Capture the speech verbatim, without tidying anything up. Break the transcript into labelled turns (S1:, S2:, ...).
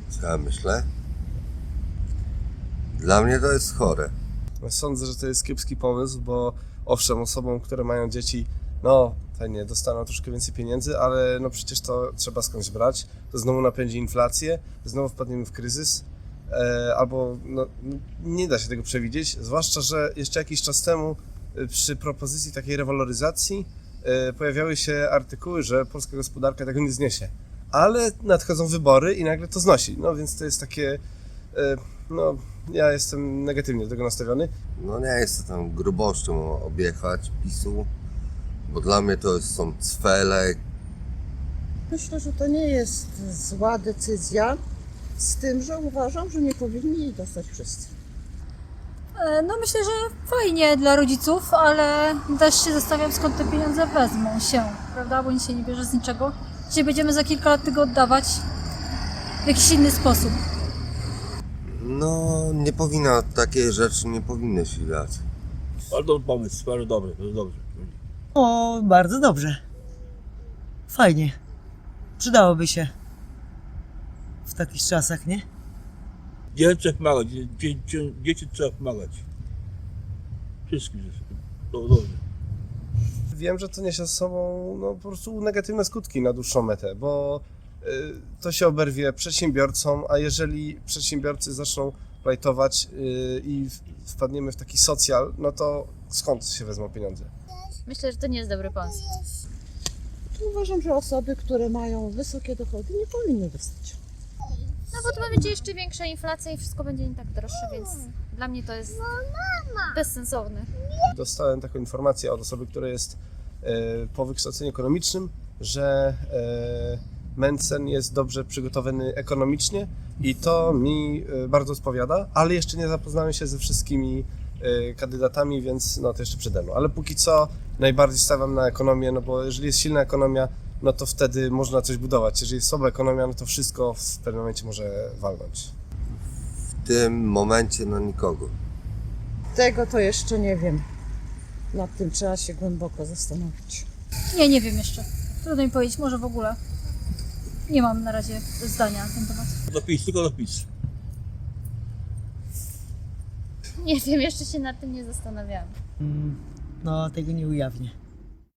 S1: Co ja myślę? Dla mnie to jest chore.
S2: Sądzę, że to jest kiepski pomysł, bo owszem, osobom, które mają dzieci, no fajnie, dostaną troszkę więcej pieniędzy, ale no przecież to trzeba skądś brać. To znowu napędzi inflację, znowu wpadniemy w kryzys, e, albo no, nie da się tego przewidzieć, zwłaszcza, że jeszcze jakiś czas temu e, przy propozycji takiej rewaloryzacji e, pojawiały się artykuły, że polska gospodarka tego nie zniesie. Ale nadchodzą wybory i nagle to znosi. No więc to jest takie, e, no ja jestem negatywnie do tego nastawiony.
S1: No nie jest to tam grubością objechać PiSu, bo dla mnie to są cwele.
S3: Myślę, że to nie jest zła decyzja, z tym, że uważam, że nie powinni jej dostać wszyscy.
S4: E, No myślę, że fajnie dla rodziców, ale też się zastanawiam, skąd te pieniądze wezmą się, prawda? Bo nic się nie bierze z niczego. Dzisiaj będziemy za kilka lat tego oddawać w jakiś inny sposób.
S1: No nie powinna, takie rzeczy nie powinny się dać.
S5: Bardzo dobry pomysł, bardzo dobry, bardzo dobrze.
S6: O, bardzo dobrze. Fajnie. Przydałoby się w takich czasach, nie?
S5: Dzieciom trzeba pomagać, dzie, dzie, dzieci trzeba pomagać. Wszystkim, to dobrze.
S2: Wiem, że to niesie ze sobą no, po prostu negatywne skutki na dłuższą metę, bo y, to się oberwie przedsiębiorcom, a jeżeli przedsiębiorcy zaczną plajtować y, i w, wpadniemy w taki socjal, no to skąd się wezmą pieniądze?
S7: Myślę, że to nie jest dobry pomysł.
S3: Uważam, że osoby, które mają wysokie dochody, nie powinny dostać.
S7: No bo to będzie jeszcze większa inflacja i wszystko będzie nie tak droższe, więc dla mnie to jest bezsensowne.
S2: Dostałem taką informację od osoby, która jest e, po wykształceniu ekonomicznym, że e, Mencen jest dobrze przygotowany ekonomicznie i to mi e, bardzo odpowiada, ale jeszcze nie zapoznałem się ze wszystkimi e, kandydatami, więc no to jeszcze przede mną. Ale póki co najbardziej stawiam na ekonomię, no bo jeżeli jest silna ekonomia, no to wtedy można coś budować. Jeżeli jest słaba ekonomia, no to wszystko w pewnym momencie może walnąć.
S1: W tym momencie na nikogo.
S3: Tego to jeszcze nie wiem. Nad tym trzeba się głęboko zastanowić.
S4: Nie, nie wiem jeszcze. Trudno mi powiedzieć, może w ogóle. Nie mam na razie zdania na ten temat.
S5: Dopis, tylko dopis.
S7: Nie wiem, jeszcze się nad tym nie zastanawiałam.
S6: Mm, no, tego nie ujawnię.